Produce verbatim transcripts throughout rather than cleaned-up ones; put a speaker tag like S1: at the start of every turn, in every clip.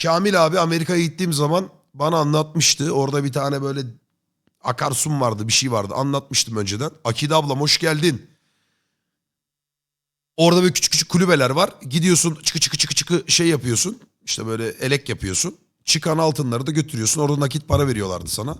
S1: Kamil abi Amerika'ya gittiğim zaman bana anlatmıştı. Orada bir tane böyle akarsum vardı, bir şey vardı. Anlatmıştım önceden. Akide ablam hoş geldin. Orada böyle küçük küçük kulübeler var. Gidiyorsun çıkı çıkı çıkı çıkı şey yapıyorsun. İşte böyle elek yapıyorsun. Çıkan altınları da götürüyorsun. Orada nakit para veriyorlardı sana.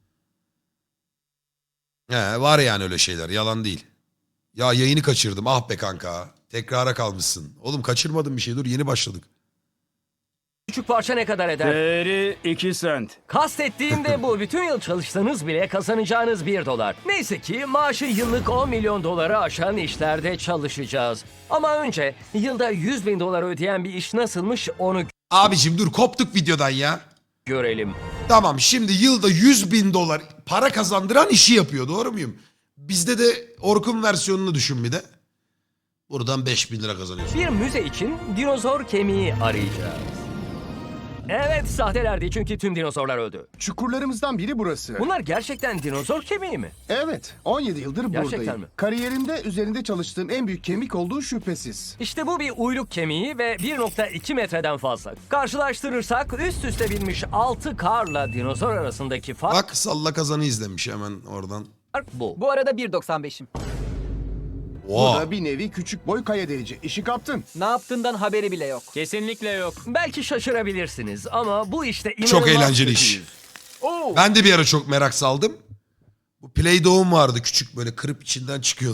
S1: He, var yani öyle şeyler. Yalan değil. Ya yayını kaçırdım. Ah be kanka. Tekrara kalmışsın. Oğlum kaçırmadım bir şey. Dur yeni başladık.
S2: Küçük parça ne kadar eder?
S3: Değeri iki sent.
S2: Kastettiğim de bu. Bütün yıl çalışsanız bile kazanacağınız bir dolar. Neyse ki maaşı yıllık on milyon doları aşan işlerde çalışacağız. Ama önce yılda yüz bin dolar ödeyen bir iş nasılmış onu
S1: Abicim dur koptuk videodan ya.
S2: görelim.
S1: Tamam şimdi yılda yüz bin dolar para kazandıran işi yapıyor, doğru muyum? Bizde de Orkun versiyonunu düşün bir de. Buradan beş bin lira kazanıyorsun.
S2: Bir müze için dinozor kemiği arayacağız. Evet, sahtelerdi çünkü tüm dinozorlar öldü.
S4: Çukurlarımızdan biri burası.
S2: Bunlar gerçekten dinozor kemiği mi?
S4: Evet, on yedi yıldır
S2: Gerçekten
S4: buradayım.
S2: mi?
S4: Kariyerimde üzerinde çalıştığım en büyük kemik olduğu şüphesiz.
S2: İşte bu bir uyluk kemiği ve bir nokta iki metreden fazla. Karşılaştırırsak üst üste binmiş altı karla dinozor arasındaki fark
S1: Bak salla kazanı izlemiş hemen oradan.
S2: bu.
S5: Bu arada bir doksan beşim.
S4: Bu
S1: Oha.
S4: da bir nevi küçük boy kaya delici. İşi kaptın.
S5: Ne yaptığından haberi bile yok.
S3: Kesinlikle yok.
S2: Belki şaşırabilirsiniz ama bu işte inanılmaz
S1: Çok eğlenceli iş.
S2: kötüyüz. Oo.
S1: Ben de bir ara çok merak saldım. Bu Play-Doh'um vardı küçük böyle kırıp içinden çıkıyordu.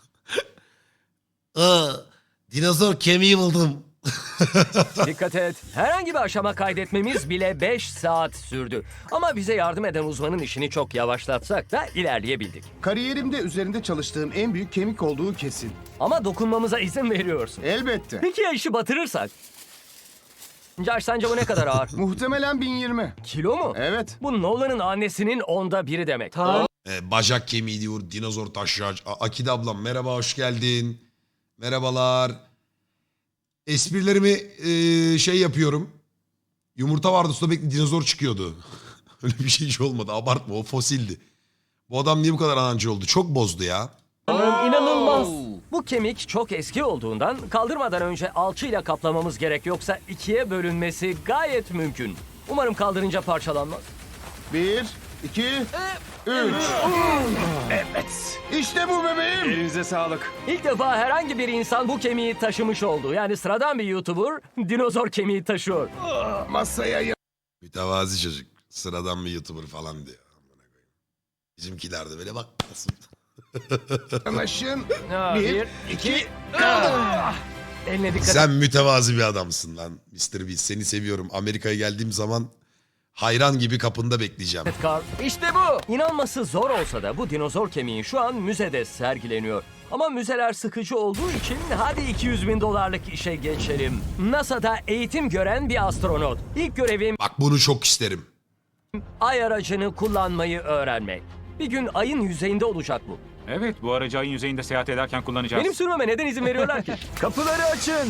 S1: Aa, dinozor kemiği buldum.
S2: Dikkat et. Herhangi bir aşama kaydetmemiz bile beş saat sürdü. Ama bize yardım eden uzmanın işini çok yavaşlatsak da ilerleyebildik.
S4: Kariyerimde üzerinde çalıştığım en büyük kemik olduğu kesin.
S2: Ama dokunmamıza izin veriyorsun.
S4: Elbette.
S2: Peki ya işi batırırsak? Josh sence bu ne kadar ağır?
S4: Muhtemelen bin yirmi.
S2: Kilo mu?
S4: Evet.
S2: Bu Nolan'ın annesinin onda biri demek.
S1: Ee, bacak kemiği diyor, dinozor taşıyıcı. A- Akide ablam merhaba, hoş geldin. Merhabalar. Esprilerimi e, şey yapıyorum. Yumurta vardı suda bekli dinozor çıkıyordu. Öyle bir şey hiç olmadı, abartma, o fosildi. Bu adam niye bu kadar anancı oldu? Çok bozdu ya.
S2: İnanılmaz. Bu kemik çok eski olduğundan kaldırmadan önce alçıyla kaplamamız gerek, yoksa ikiye bölünmesi gayet mümkün. Umarım kaldırınca parçalanmaz.
S4: Bir, iki, üç. Evet. İşte bu bebeğim.
S3: Elinize sağlık.
S2: İlk defa herhangi bir insan bu kemiği taşımış oldu. Yani sıradan bir YouTuber dinozor kemiği taşıyor.
S4: Masaya ya-
S1: Mütevazi çocuk. Sıradan bir YouTuber falan diyor. Amına koyayım. Bizimkiler de böyle bak nasıl.
S4: yanaşın.
S2: Ha,
S4: Bir,
S2: bir,
S4: iki.
S2: Eline dikkat et.
S1: Sen mütevazi bir adamsın lan mister Beast. Seni seviyorum. Amerika'ya geldiğim zaman hayran gibi kapında bekleyeceğim.
S2: Carl. İşte bu. İnanması zor olsa da bu dinozor kemiği şu an müzede sergileniyor. Ama müzeler sıkıcı olduğu için hadi iki yüz bin dolarlık işe geçelim. NASA'da eğitim gören bir astronot. İlk görevim
S1: Bak bunu çok isterim.
S2: ay aracını kullanmayı öğrenmek. Bir gün ayın yüzeyinde olacak bu.
S3: Evet, bu aracı ayın yüzeyinde seyahat ederken kullanacağız.
S2: Benim sürmeme neden izin veriyorlar ki?
S3: Kapıları açın.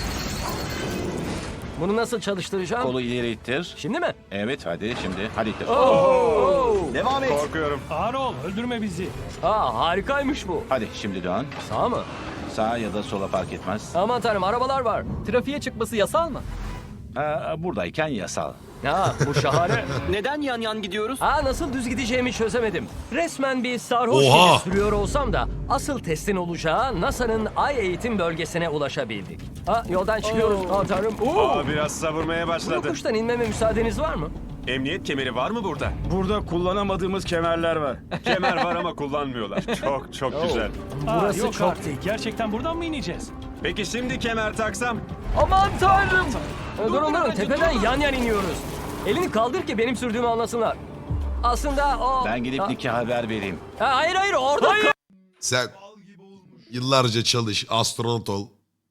S2: Bunu nasıl çalıştıracağım?
S6: Kolu ileri ittir.
S2: Şimdi mi?
S6: Evet hadi şimdi. Hadi ittir.
S4: Devam et.
S3: Korkuyorum.
S2: Aa, harikaymış bu.
S6: Hadi şimdi dön.
S2: Sağ mı?
S6: Sağa ya da sola fark etmez.
S2: Aman tanrım, arabalar var.
S5: Trafiğe çıkması yasal mı?
S6: Aa, buradayken yasal.
S2: Ya bu şahane.
S5: Neden yan yan gidiyoruz?
S2: Aa, nasıl düz gideceğimi çözemedim. Resmen bir sarhoş
S1: Oha!
S2: gibi sürüyor olsam da asıl testin olacağı NASA'nın ay eğitim bölgesine ulaşabildik. Ha, yoldan çıkıyoruz. Aman tanrım. Oo!
S7: Aa, biraz savurmaya
S2: Bu
S7: başladı.
S2: yokuştan inmeme müsaadeniz var mı?
S7: Emniyet kemeri var mı burada?
S3: Burada kullanamadığımız kemerler var.
S7: Kemer var ama kullanmıyorlar. Çok çok güzel.
S2: Burası çok
S8: artık. Gerçekten buradan mı ineceğiz?
S7: Peki şimdi kemer taksam?
S2: Aman tanrım. Durun durun, tepeden yan yan iniyoruz. Elini kaldır ki benim sürdüğümü anlasınlar. Aslında o...
S6: Ben gidip
S2: Ha-
S6: Nick'e haber vereyim.
S2: Ha, hayır hayır orada kal-
S1: Sen yıllarca çalış, astronot ol.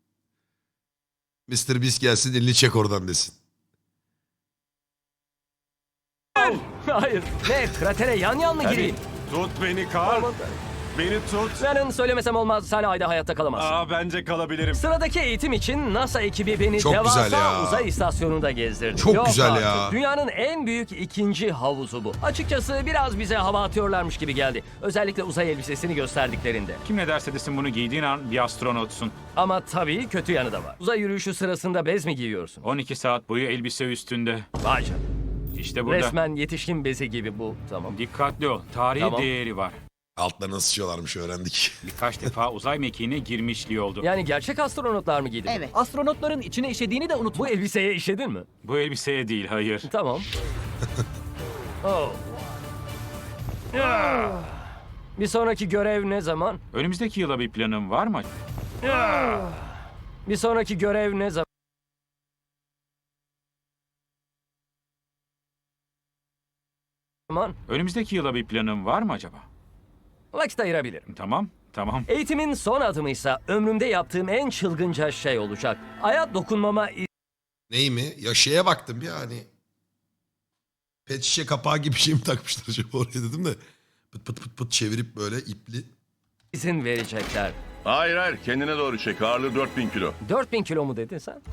S1: mister Beast gelsin elini çek oradan desin.
S2: Hayır. Ne, kratere yan yan mı
S6: Tabii.
S2: gireyim?
S7: Tut beni Karl.
S2: Aman tanrım.
S7: Beni tut.
S2: Senin söylemesem olmaz, sen ayda hayatta kalamazsın.
S7: Aa, bence kalabilirim.
S2: Sıradaki eğitim için NASA ekibi beni
S1: Çok
S2: devasa
S1: güzel ya.
S2: uzay istasyonunda gezdirdi.
S1: Çok
S2: Yok
S1: güzel
S2: artık.
S1: ya.
S2: Dünyanın en büyük ikinci havuzu bu. Açıkçası biraz bize hava atıyorlarmış gibi geldi. Özellikle uzay elbisesini gösterdiklerinde.
S3: Kim ne derse desin bunu giydiğin an bir astronotsun.
S2: Ama tabii kötü yanı da var. Uzay yürüyüşü sırasında bez mi giyiyorsun?
S3: on iki saat boyu elbise üstünde.
S2: Vay canına.
S3: İşte burada.
S2: Resmen yetişkin bezi gibi bu. Tamam.
S3: Dikkatli ol. Tarihi
S2: Tamam.
S3: değeri var.
S1: Altlarına sıçıyorlarmış öğrendik.
S3: Birkaç defa uzay mekiğine girmişliği oldu.
S2: Yani gerçek astronotlar mı giydi?
S5: Evet. Astronotların içine işediğini de unutma.
S2: Bu elbiseye işedin mi?
S3: Bu elbiseye değil, hayır.
S2: Tamam. Oh. Ah. Bir sonraki görev ne zaman?
S3: Önümüzdeki yıla bir planın var mı?
S2: Ah. Bir sonraki görev ne zaman?
S3: Önümüzdeki yıla bir planın var mı acaba?
S2: Vakit ayırabilirim.
S3: Tamam, tamam.
S2: Eğitimin son adımıysa ömrümde yaptığım en çılgınca şey olacak. Aya dokunmama
S1: Ney mi? Ya şeye baktım ya hani. Pet şişe kapağı gibi bir şey mi takmışlar acaba oraya dedim de. Pıt pıt pıt pıt çevirip böyle ipli.
S2: izin verecekler.
S9: Hayır hayır kendine doğru çek. Ağırlığı dört bin kilo.
S2: dört bin kilo mu dedin sen?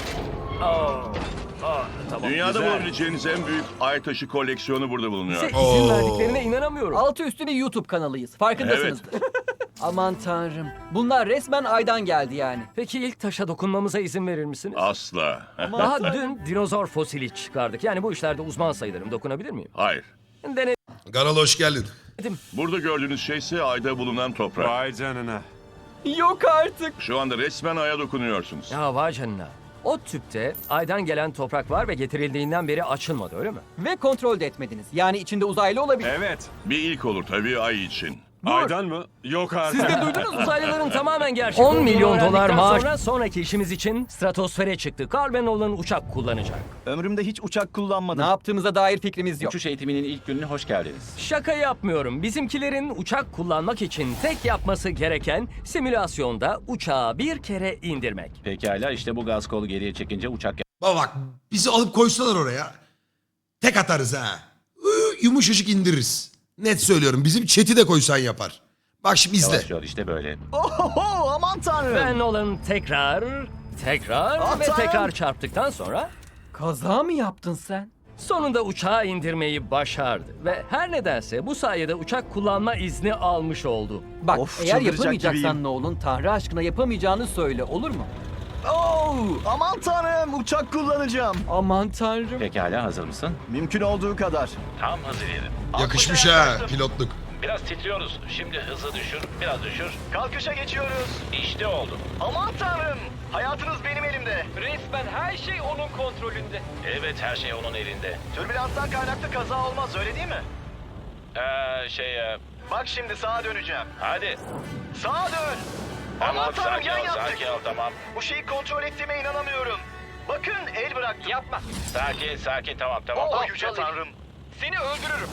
S2: Oh. Oh, tamam.
S9: Dünyada
S2: güzel.
S9: bulabileceğiniz en büyük ay taşı koleksiyonu burada bulunuyor.
S2: Size izin
S1: Oo.
S2: verdiklerine inanamıyorum.
S5: Altı üstü bir YouTube kanalıyız. Farkındasınızdır. Aman tanrım. Bunlar resmen aydan geldi yani.
S2: Peki ilk taşa dokunmamıza izin verir misiniz?
S9: Asla.
S2: Daha dün dinozor fosili çıkardık. Yani bu işlerde uzman sayılırım. Dokunabilir miyim?
S9: Hayır.
S2: Denedim.
S1: Garal hoş geldin.
S9: Burada gördüğünüz şey ise ayda bulunan toprak.
S7: Vay canına.
S5: Yok artık.
S9: Şu anda resmen aya dokunuyorsunuz.
S2: Ya vay canına. O tüpte aydan gelen toprak var ve getirildiğinden beri açılmadı öyle mi?
S5: Ve kontrol de etmediniz. Yani içinde uzaylı olabilir.
S7: Evet.
S9: Bir ilk olur tabii ay için.
S7: Aydan mı? Yok artık.
S2: Siz de duydunuz uzaylıların tamamen gerçek on milyon dolar maaş. Sonra sonraki işimiz için stratosfere çıktı. Carl ve Nolan uçak kullanacak.
S4: Ömrümde hiç uçak
S5: Ne
S4: kullanmadım.
S5: yaptığımıza dair fikrimiz yok.
S6: Uçuş eğitiminin ilk gününe hoş geldiniz.
S2: Şaka yapmıyorum. Bizimkilerin uçak kullanmak için tek yapması gereken simülasyonda uçağı bir kere indirmek.
S6: Pekala, işte bu gaz kolu geriye çekince uçak
S1: Baba bak bizi alıp koysalar oraya. Tek atarız ha. Iı, Yumuşacık indiririz. Net söylüyorum bizim chat'i de koysan yapar. Bak şimdi izle.
S6: yavaşlıyor, işte böyle.
S4: Oho aman tanrım.
S2: Ve Nolan tekrar, tekrar
S4: Ah,
S2: ve
S4: tanrım.
S2: tekrar çarptıktan sonra
S5: Kaza mı yaptın sen?
S2: sonunda uçağı indirmeyi başardı. Ve her nedense bu sayede uçak kullanma izni almış oldu.
S5: Bak
S4: Of,
S5: eğer
S4: çıldıracak
S5: yapamayacaksan
S4: gibiyim.
S5: ne olun Tanrı aşkına yapamayacağını söyle olur mu?
S4: Oo, aman tanrım uçak kullanacağım.
S5: Aman tanrım.
S6: Pekala, hazır mısın?
S4: Mümkün olduğu kadar.
S6: Tam hazır yerim.
S1: Yakışmış ha pilotluk.
S6: Biraz titriyoruz. Şimdi hızı düşür, biraz düşür.
S4: Kalkışa geçiyoruz.
S6: İşte oldu.
S4: Aman tanrım. Hayatınız benim elimde.
S5: Resmen her şey onun kontrolünde.
S6: Evet, her şey onun elinde.
S4: Türbülanstan kaynaklı kaza olmaz öyle değil mi?
S6: Ee, şey, e,
S4: Bak şimdi sağa döneceğim.
S6: hadi.
S4: Sağa dön. Aman tanrım yan yaptık.
S6: ol, tamam.
S4: Bu şeyi kontrol ettiğime inanamıyorum. Bakın el bıraktım.
S5: Yapma.
S6: Sakin, sakin, tamam, tamam.
S4: Oh yüce tanrım.
S5: Seni öldürürüm.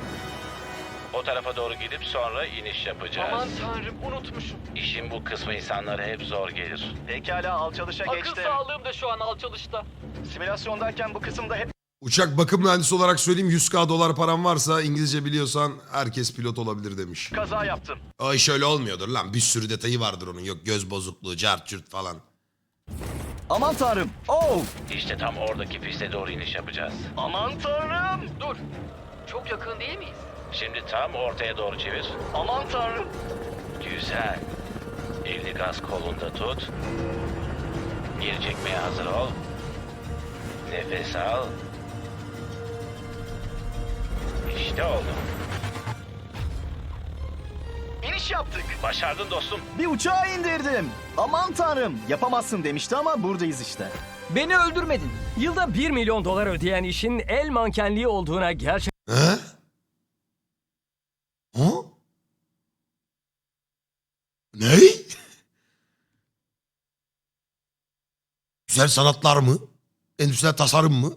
S6: O tarafa doğru gidip sonra iniş yapacağız.
S5: tanrım unutmuşum.
S6: İşin bu kısmı insanlara hep zor gelir.
S4: Pekala alçalışa geçtim.
S5: sağlığım da şu an alçalışta.
S4: Simülasyondayken bu kısımda hep
S1: Uçak bakım mühendisi olarak söyleyeyim yüz bin dolar param varsa İngilizce biliyorsan herkes pilot olabilir demiş.
S4: kaza yaptım.
S1: Ay şöyle olmuyordur lan bir sürü detayı vardır onun yok göz bozukluğu cart cürt falan.
S4: Aman tanrım. Oh.
S6: İşte tam oradaki piste doğru iniş yapacağız.
S4: Aman tanrım.
S5: Dur. Çok yakın değil miyiz?
S6: Şimdi tam ortaya doğru çevir.
S4: Aman tanrım.
S6: Güzel. Elini gaz kolunda tut. Geri çekmeye hazır ol. Nefes al. İşte oldu.
S4: İniş yaptık.
S6: Başardın dostum.
S4: Bir uçağı indirdim. Aman tanrım. Yapamazsın demişti ama buradayız işte.
S5: Beni öldürmedin.
S2: Yılda bir milyon dolar ödeyen işin el mankenliği olduğuna gerçekten
S1: He? Ha? Ne? Güzel sanatlar mı? Endüstriyel tasarım mı?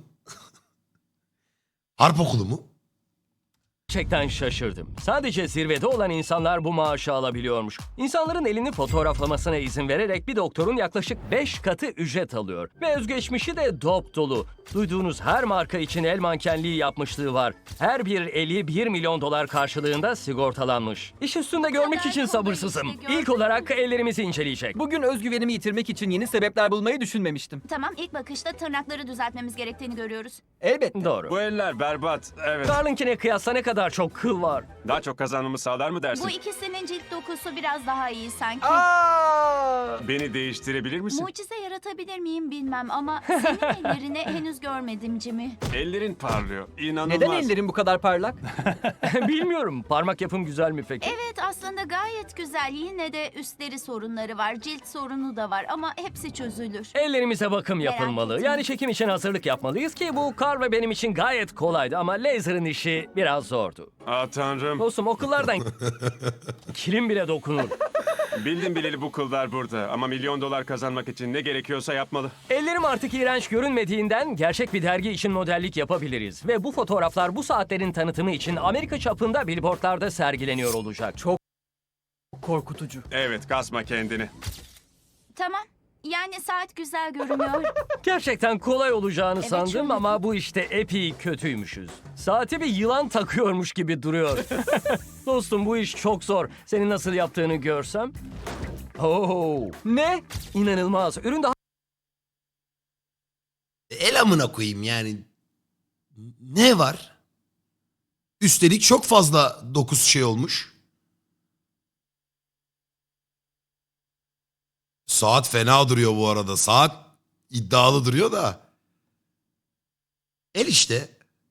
S1: Harp okulu mu?
S2: Gerçekten şaşırdım. Sadece zirvede olan insanlar bu maaşı alabiliyormuş. İnsanların elini fotoğraflamasına izin vererek bir doktorun yaklaşık beş katı ücret alıyor. Ve özgeçmişi de dop dolu. Duyduğunuz her marka için el mankenliği yapmışlığı var. Her bir eli bir milyon dolar karşılığında sigortalanmış. İş üstünde görmek için sabırsızım. İlk olarak ellerimizi inceleyecek.
S5: Bugün özgüvenimi yitirmek için yeni sebepler bulmayı düşünmemiştim.
S10: Tamam, ilk bakışta tırnakları düzeltmemiz gerektiğini görüyoruz.
S5: Elbette.
S2: Doğru.
S7: Bu eller berbat. Evet.
S2: Carl'inkine kıyasla ne kadar çok kıl var.
S7: Daha çok kazanmamı sağlar mı dersin?
S10: Bu ikisinin cilt dokusu biraz daha iyi sanki.
S5: Aa!
S7: Beni değiştirebilir misin?
S10: Mucize yaratabilir miyim bilmem ama senin ellerini henüz görmedim Jimmy.
S7: Ellerin parlıyor. İnanılmaz.
S5: Neden ellerin bu kadar parlak?
S2: Bilmiyorum. Parmak yapım güzel mi peki?
S10: Evet, aslında gayet güzel. Yine de üstleri sorunları var, cilt sorunu da var ama hepsi çözülür.
S2: Ellerimize bakım
S10: Merak
S2: yapılmalı.
S10: ettim.
S2: Yani çekim için hazırlık yapmalıyız ki bu Carl ve benim için gayet kolaydı ama laser'ın işi biraz zordu.
S7: Aa tanrım.
S2: Dostum okullardan kilim bile dokunur.
S7: Bildim bileli bu kıllar burada. Ama milyon dolar kazanmak için ne gerekiyorsa yapmalı.
S2: Ellerim artık iğrenç görünmediğinden gerçek bir dergi için modellik yapabiliriz. Ve bu fotoğraflar bu saatlerin tanıtımı için Amerika çapında billboardlarda sergileniyor olacak. Çok
S5: Korkutucu.
S7: Evet, kasma kendini.
S10: Tamam, yani saat güzel görünüyor.
S2: gerçekten kolay olacağını
S10: Evet,
S2: sandım
S10: şöyle.
S2: ama bu işte epey kötüymüşüz. Saati bir yılan takıyormuş gibi duruyor. Dostum bu iş çok zor. Senin nasıl yaptığını görsem. Oo,
S5: Ne?
S2: inanılmaz. Ürün daha
S1: El amına koyayım yani. Ne var? Üstelik çok fazla dokuz şey olmuş. Saat fena duruyor bu arada. Saat iddialı duruyor da. El işte.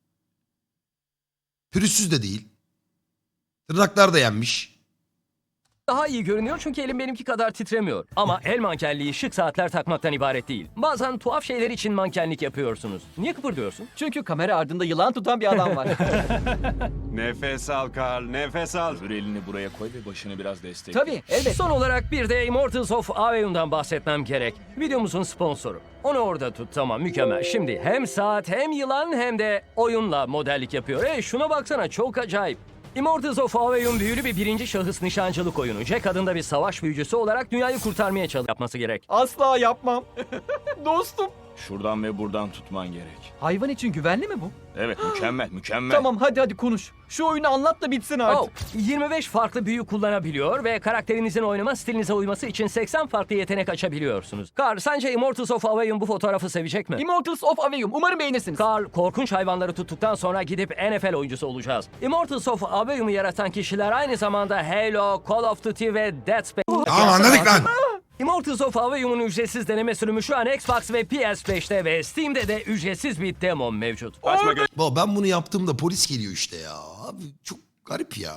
S1: Pürüzsüz de değil. Tırnaklar da yenmiş.
S2: daha iyi görünüyor çünkü elim benimki kadar titremiyor. Ama el mankenliği şık saatler takmaktan ibaret değil. Bazen tuhaf şeyler için mankenlik yapıyorsunuz. Niye kıpırdıyorsun?
S5: Çünkü kamera ardında yılan tutan bir adam var.
S7: Nefes al Carl, nefes al.
S8: Öbür elini buraya koy ve başını biraz destek.
S5: Tabii, elbette.
S2: Son olarak bir de Immortals of Aveum'dan bahsetmem gerek. Videomuzun sponsoru. Onu orada tut, tamam, mükemmel. Şimdi hem saat hem yılan hem de oyunla modellik yapıyor. E şuna baksana, çok acayip. Immortals of Aveum büyülü bir birinci şahıs nişancılık oyunu. Jack adında bir savaş büyücüsü olarak dünyayı kurtarmaya çalış yapması gerek.
S5: Asla yapmam. Dostum.
S8: Şuradan ve buradan tutman gerek.
S5: Hayvan için güvenli mi bu?
S8: Evet, mükemmel, mükemmel.
S5: Tamam, hadi hadi konuş. Şu oyunu anlat da bitsin artık.
S2: Oh, yirmi beş farklı büyü kullanabiliyor ve karakterinizin oynama stilinize uyması için seksen farklı yetenek açabiliyorsunuz. Carl, sence Immortals of Aveum bu fotoğrafı sevecek mi?
S5: Immortals of Aveum. Umarım beğenirsiniz.
S2: Carl, korkunç hayvanları tuttuktan sonra gidip N F L oyuncusu olacağız. Immortals of Aveum'u yaratan kişiler aynı zamanda Halo, Call of Duty ve Dead Space...
S1: Tamam anladık lan.
S2: Immortals of Aveum'un ücretsiz deneme sürümü şu an Xbox ve P S beşte ve Steam'de de ücretsiz bir demo mevcut.
S7: Açma
S1: Baba ben bunu yaptığımda polis geliyor işte ya. Abi çok garip ya.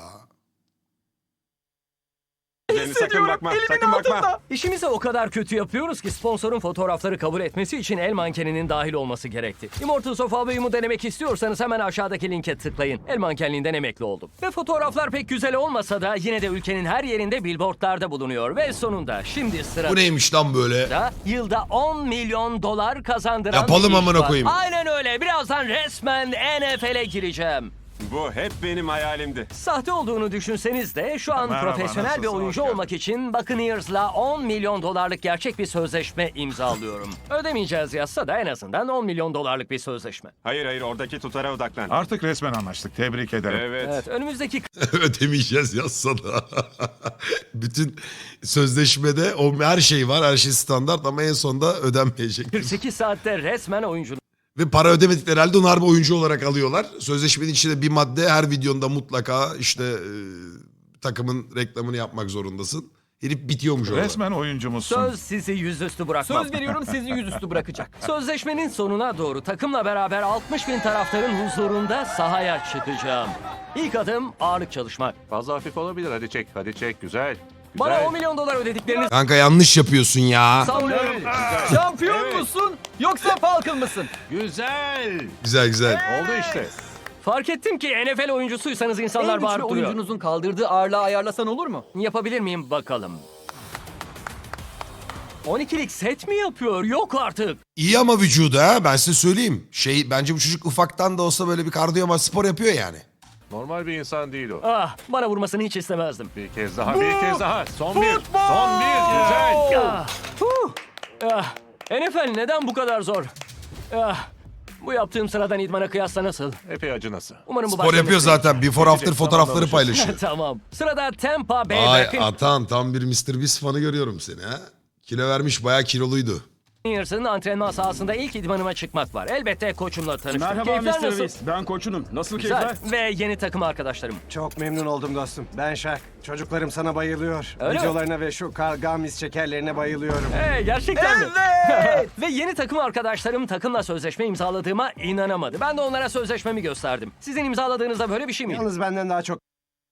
S7: gözlerini, sakın bakma, sakın bakma.
S2: İşimizi o kadar kötü yapıyoruz ki sponsorun fotoğrafları kabul etmesi için el mankeninin dahil olması gerekti. Immortals of Aveum'u denemek istiyorsanız hemen aşağıdaki linke tıklayın. El mankenliğinden emekli oldum. Ve fotoğraflar pek güzel olmasa da yine de ülkenin her yerinde billboardlarda bulunuyor. Ve sonunda şimdi sırada...
S1: Bu neymiş lan böyle?
S2: da yılda on milyon dolar kazandıran
S1: Yapalım
S2: bir iş
S1: amına
S2: var.
S1: koyayım.
S2: Aynen öyle. Birazdan resmen N F L'e gireceğim.
S7: Bu hep benim hayalimdi.
S2: Sahte olduğunu düşünseniz de şu an
S7: Merhaba,
S2: profesyonel bir
S7: nasılsın?
S2: oyuncu
S7: Hoş geldin.
S2: olmak için Buccaneers'la on milyon dolarlık gerçek bir sözleşme imzalıyorum. Ödemeyeceğiz yazsa da en azından on milyon dolarlık bir sözleşme.
S7: Hayır hayır, oradaki tutara odaklan.
S11: Artık resmen anlaştık. Tebrik ederim.
S7: Evet.
S2: Evet, önümüzdeki
S1: Ödemeyeceğiz yazsa da. Bütün sözleşmede o her şey var. Her şey standart ama en sonunda ödenmeyecek.
S2: kırk sekiz saatte resmen oyuncu.
S1: Ve para ödemedikleri halde onu harbi oyuncu olarak alıyorlar. Sözleşmenin içinde bir madde her videonda mutlaka işte e, takımın reklamını yapmak zorundasın. Herif bitiyormuş orada.
S11: Resmen oyuncumuzsun.
S2: Söz sizi yüzüstü bırakmam.
S5: Söz veriyorum sizi yüzüstü bırakacak.
S2: Sözleşmenin sonuna doğru takımla beraber altmış bin taraftarın huzurunda sahaya çıkacağım. İlk adım ağırlık çalışmak.
S8: Fazla hafif olabilir. Hadi çek, hadi çek. Güzel.
S2: Bana on milyon dolar ödediklerini
S1: Kanka yanlış yapıyorsun ya.
S2: sanmıyorum.
S5: Şampiyon musun yoksa Falcon mısın?
S8: Güzel.
S1: Güzel güzel.
S8: Oldu işte.
S2: Fark ettim ki N F L oyuncusuysanız insanlar
S5: En güçlü
S2: bağırıp duruyor.
S5: oyuncunuzun kaldırdığı ağırlığı ayarlasan olur mu?
S2: Yapabilir miyim bakalım? on ikilik set mi yapıyor? Yok artık.
S1: İyi ama vücudu ha ben size söyleyeyim. Şey bence bu çocuk ufaktan da olsa böyle bir kardiyo spor yapıyor yani.
S8: Normal bir insan değil o.
S2: Ah, bana vurmasını hiç istemezdim.
S8: Bir kez daha, bir kez daha. Son bir. Son bir. Güzel.
S2: Ah, huh. Ah, N F L neden bu kadar zor? Ah, Bu yaptığım sıradan idmana kıyasla nasıl?
S8: Epey acınası.
S2: Umarım bu
S1: Spor
S2: başka
S1: yapıyor
S2: bir şey-
S1: zaten. Before after
S8: Tamam,
S1: fotoğrafları
S8: alışırız.
S1: paylaşıyor.
S2: Tamam. Sırada Tampa Bay
S1: Ay
S2: Buccaneers.
S1: Atan tam bir mister Beast fanı görüyorum seni ha. Kilo vermiş bayağı kiloluydu.
S2: Buccaneers'ın antrenman sahasında ilk idmanıma çıkmak var. Elbette koçumla tanıştım.
S7: Merhaba
S2: Keyifler
S7: mister
S2: nasıl?
S7: Beast. Ben koçunum. Nasıl
S2: Güzel. Ve yeni takım arkadaşlarım.
S12: Çok memnun oldum dostum. Ben Şak. Çocuklarım sana bayılıyor.
S2: Öyle mi?
S12: Videolarına ve şu Kargamis şekerlerine bayılıyorum.
S2: Hey, gerçekten mi? Ve yeni takım arkadaşlarım takımla sözleşme imzaladığıma inanamadı. Ben de onlara sözleşmemi gösterdim. Sizin imzaladığınızda böyle bir şey miydi?
S12: Yalnız benden daha çok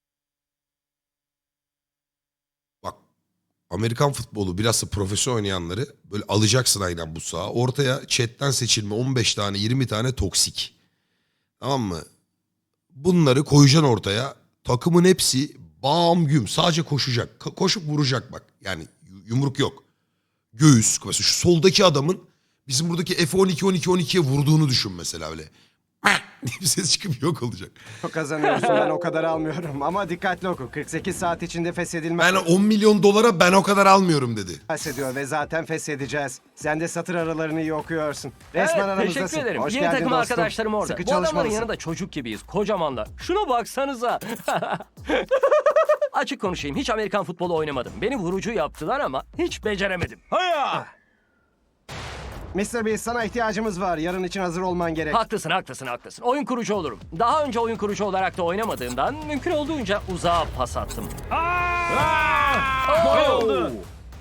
S1: Bak Amerikan futbolu bilhassa profesyonel oynayanları böyle alacaksın aynen bu saha. Ortaya chatten seçilme on beş tane yirmi tane toksik. Tamam mı? Bunları koyacaksın ortaya. Takımın hepsi bam güm sadece koşacak. Ka- koşup vuracak bak. Yani yu- yumruk yok. Göğüs. Mesela şu soldaki adamın bizim buradaki F on iki on iki on ikiye vurduğunu düşün mesela öyle. diye bir ses çıkıp yok olacak.
S12: kazanıyorsun. Ben o kadar almıyorum. Ama dikkatli oku. kırk sekiz saat içinde feshedilmez
S1: Ben on milyon dolara ben o kadar almıyorum dedi.
S12: ediyor ve zaten feshedeceğiz. Sen de satır aralarını iyi okuyorsun. Resmen
S2: Evet,
S12: aramızdasın.
S2: teşekkür ederim.
S12: Hoş
S2: Yeni
S12: geldin
S2: takım
S12: dostum.
S2: arkadaşlarım orada.
S12: Sıkı
S2: Bu adamların
S12: çalışmalısın.
S2: yanında çocuk gibiyiz. Kocamanlar. Şuna baksanıza. Açık konuşayım. Hiç Amerikan futbolu oynamadım. Beni vurucu yaptılar ama hiç beceremedim.
S12: mister Beast sana ihtiyacımız var. Yarın için hazır olman gerek.
S2: Haklısın, haklısın, haklısın. Oyun kurucu olurum. Daha önce oyun kurucu olarak da oynamadığımdan mümkün olduğunca uzağa pas attım. Oo!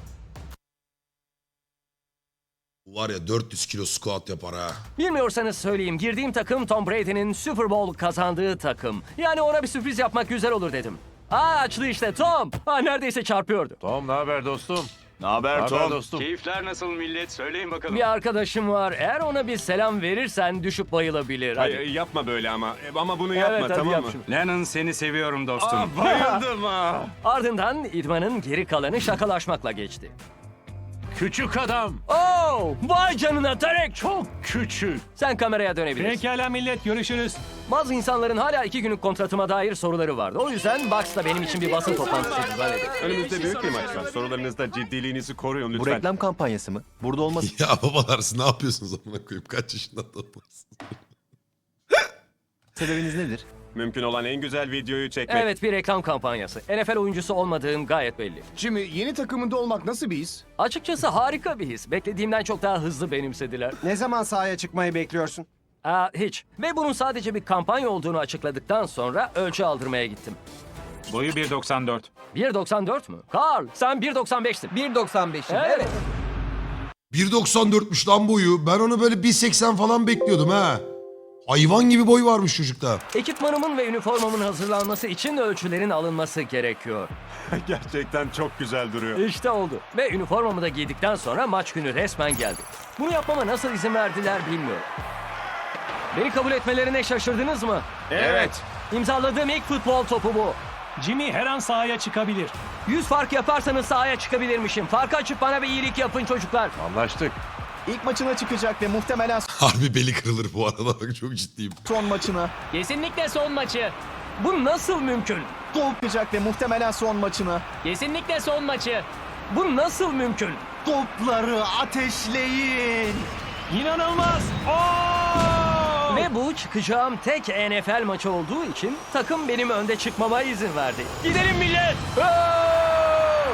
S1: Bu var ya dört yüz kilo squat yapar ha.
S2: Bilmiyorsanız söyleyeyim. Girdiğim takım Tom Brady'nin Super Bowl kazandığı takım. Yani ona bir sürpriz yapmak güzel olur dedim. Aa açtı işte Tom. Aa, neredeyse çarpıyordu.
S8: Tom ne haber dostum?
S7: Ne haber
S8: Haber dostum.
S7: Keyifler nasıl millet? Söyleyin bakalım.
S2: Bir arkadaşım var. Eğer ona bir selam verirsen düşüp bayılabilir. Hadi.
S7: Hayır, yapma böyle ama. Ama bunu
S2: Evet,
S7: yapma
S2: hadi
S7: tamam
S2: yap
S7: mı?
S2: şunu.
S7: Lennon seni seviyorum dostum. Aa, bayıldım ha.
S2: Ardından idmanın geri kalanı şakalaşmakla geçti.
S8: Küçük adam.
S2: Oo, vay canına Derek.
S8: Çok küçük.
S2: Sen kameraya dönebilirsin.
S3: Pekala millet, görüşürüz.
S2: Bazı insanların hala iki günlük kontratıma dair soruları vardı. O yüzden Bucks da benim için bir basın toplantısı düzenledi.
S7: Önümüzde büyük bir maç var. Sorularınızda ciddiliğinizi koruyun lütfen.
S4: kampanyası mı? Burada olması
S1: Ya babalar siz ne yapıyorsunuz amına koyayım? Kaç yaşında adamlarsınız?
S4: sebebiniz nedir?
S7: Mümkün olan en güzel videoyu çekmek.
S2: Evet, bir reklam kampanyası. N F L oyuncusu olmadığım gayet belli.
S4: Jimmy, yeni takımında olmak nasıl bir his?
S2: Açıkçası harika bir his. Beklediğimden çok daha hızlı benimsediler.
S12: Ne zaman sahaya çıkmayı bekliyorsun?
S2: Aa, hiç. Ve bunun sadece bir kampanya olduğunu açıkladıktan sonra ölçü aldırmaya gittim.
S3: Boyu bir doksan dört.
S2: bir doksan dört mü? Carl, sen bir doksan beştin.
S5: bir doksan beşim.
S2: Evet.
S5: Evet.
S1: bir doksan dörtmüş lan boyu. Ben onu böyle bir seksen falan bekliyordum ha. Hayvan gibi boy varmış çocukta.
S2: Ekipmanımın ve üniformamın hazırlanması için ölçülerin alınması gerekiyor.
S7: Gerçekten çok güzel duruyor.
S2: İşte oldu. Ve üniformamı da giydikten sonra maç günü resmen geldi. Bunu yapmama nasıl izin verdiler bilmiyorum. Beni kabul etmelerine şaşırdınız mı?
S7: Evet.
S2: İmzaladığım ilk futbol topu bu.
S3: Jimmy her an sahaya çıkabilir.
S2: yüz fark yaparsanız sahaya çıkabilirmişim. Farkı açıp bana bir iyilik yapın çocuklar.
S8: Anlaştık.
S4: İlk maçına çıkacak ve muhtemelen
S1: Harbi beli kırılır bu arada bak çok ciddiyim.
S4: son maçına.
S2: Kesinlikle son maçı. Bu nasıl mümkün?
S4: Çıkacak ve muhtemelen son maçına.
S2: Kesinlikle son maçı. Bu nasıl mümkün?
S4: Topları ateşleyin.
S2: İnanılmaz. Ve bu çıkacağım tek N F L maçı olduğu için takım benim önde çıkmama izin verdi. Gidelim millet. Oo!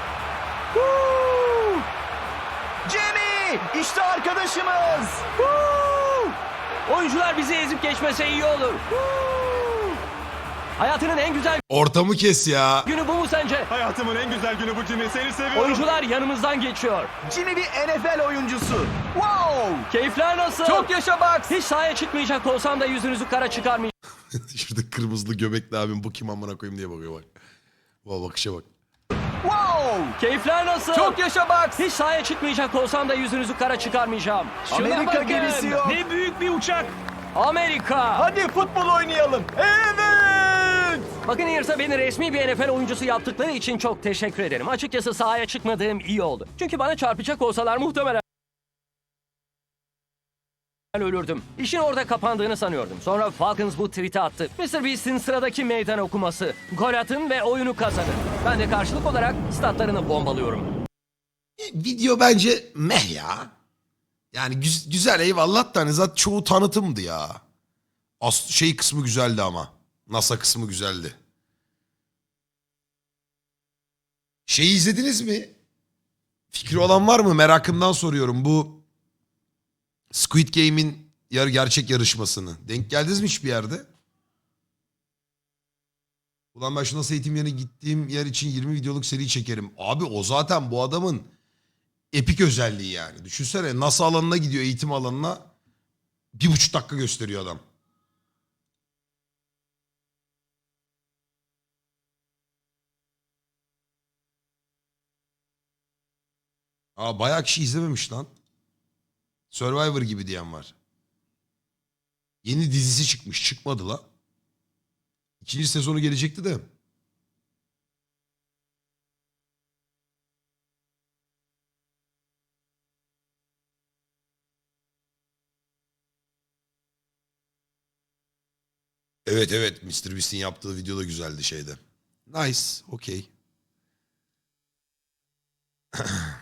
S2: Woo!
S4: Jimmy, işte arkadaşımız.
S2: Woo! Oyuncular bizi ezip geçmese iyi olur. Woo! Hayatının en güzel
S1: Ortamı kes ya.
S2: günü bu mu sence?
S7: Hayatımın en güzel günü bu Jimmy. Seni seviyorum.
S2: Oyuncular yanımızdan geçiyor.
S4: Jimmy bir N F L oyuncusu. Wow.
S2: Keyifler nasıl?
S5: Çok yaşa Bucks.
S2: Hiç sahaya çıkmayacak olsam da yüzünüzü kara çıkarmayacağım.
S1: Şurada kırmızılı göbekli abim bu kim amına koyayım diye bakıyor bak. Bu bakışa bak.
S4: Wow.
S2: Keyifler nasıl?
S5: Çok yaşa Bucks.
S2: Hiç sahaya çıkmayacak olsam da yüzünüzü kara çıkarmayacağım. Şuna
S4: Amerika
S2: bakın.
S4: gemisi yok.
S3: Ne büyük bir uçak.
S2: Amerika.
S4: Hadi futbol oynayalım. Evet.
S2: Bakın Ears'a beni resmi bir N F L oyuncusu yaptıkları için çok teşekkür ederim. Açıkçası sahaya çıkmadığım iyi oldu. Çünkü bana çarpacak olsalar muhtemelen ölürdüm. İşin orada kapandığını sanıyordum. Sonra Falcons bu tweet'i attı. mister Beast'in sıradaki meydan okuması. Gol atın ve oyunu kazanın. Ben de karşılık olarak statlarını bombalıyorum.
S1: Video bence meh ya. Yani güz- güzel eyvallah da hani zaten çoğu tanıtımdı ya. As şey kısmı güzeldi ama. NASA kısmı güzeldi. Şeyi izlediniz mi? Fikri olan var mı? Merakımdan soruyorum. Bu Squid Game'in yar gerçek yarışmasını. Denk geldiniz mi hiçbir yerde? Ulan ben şu NASA eğitim yerine gittiğim yer için yirmi videoluk seri çekerim. Abi o zaten bu adamın epik özelliği yani. Düşünsene NASA alanına gidiyor, eğitim alanına. Bir buçuk dakika gösteriyor adam. Aa, bayağı kişi izlememiş lan. Survivor gibi diyen var. Yeni dizisi çıkmış. Çıkmadı la. İkinci sezonu gelecekti de. Evet evet. mister Beast'in yaptığı video da güzeldi şeyde. Nice. Okey.